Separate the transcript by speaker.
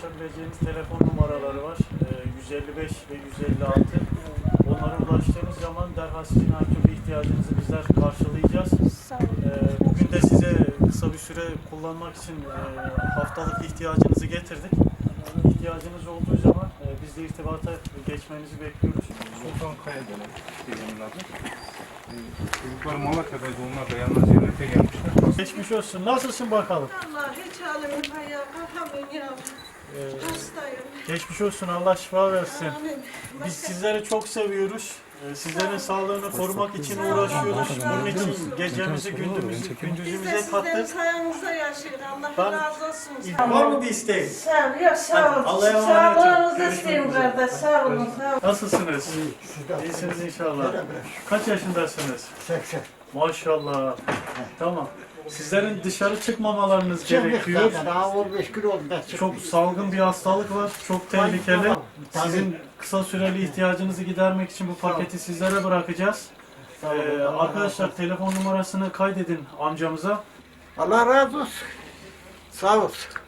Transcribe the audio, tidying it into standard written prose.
Speaker 1: ulaşabileceğiniz telefon numaraları var. 155 ve 156. Onlara ulaştığınız zaman derhal sizin her türlü ihtiyacınızı bizler karşılayacağız. Bugün de size kısa bir süre kullanmak için haftalık ihtiyacınızı getirdik. İhtiyacınız olduğu zaman bizle irtibata geçmenizi bekliyoruz.
Speaker 2: Sultan Kaya dönem teyzemin adı. Çocuklar Malatya'daydı, onlar da yalnız ziyarete gelmişler.
Speaker 1: Geçmiş olsun. Nasılsın bakalım?
Speaker 3: Allah hiç halimim ayağa kalkamıyorum yavrum. Hastayım.
Speaker 1: Geçmiş olsun. Allah şifa versin.
Speaker 3: Amin.
Speaker 1: Biz sizleri çok seviyoruz. Sizlerin sağlığını korumak için uğraşıyoruz. Bunun için gecemizi
Speaker 3: Biz de
Speaker 1: gündüzümüze
Speaker 3: sizlerin
Speaker 1: kattık.
Speaker 3: sayenizde yaşıyoruz. Allah
Speaker 1: Ben-
Speaker 3: razı olsun.
Speaker 1: Var mı bir isteğin?
Speaker 3: Sağ ol, yok sağ ol.
Speaker 1: Allah'a emanet olun.
Speaker 3: Sağlığınızı
Speaker 1: Görüşmek
Speaker 3: isteyeyim
Speaker 1: üzere.
Speaker 3: kardeş. Sağ olun, sağ olun.
Speaker 1: Nasılsınız? İyisiniz inşallah. Kaç yaşındasınız?
Speaker 4: 80.
Speaker 1: Maşallah. Tamam. Sizlerin dışarı çıkmamalarınız gerekiyor.
Speaker 4: Daha 15 gün oldu da çıkmıyor.
Speaker 1: Çok salgın bir hastalık var. Çok tehlikeli. Sizin kısa süreli ihtiyacınızı gidermek için bu paketi sizlere bırakacağız. Arkadaşlar telefon numarasını kaydedin amcamıza.
Speaker 4: Allah razı olsun. Sağ olsun.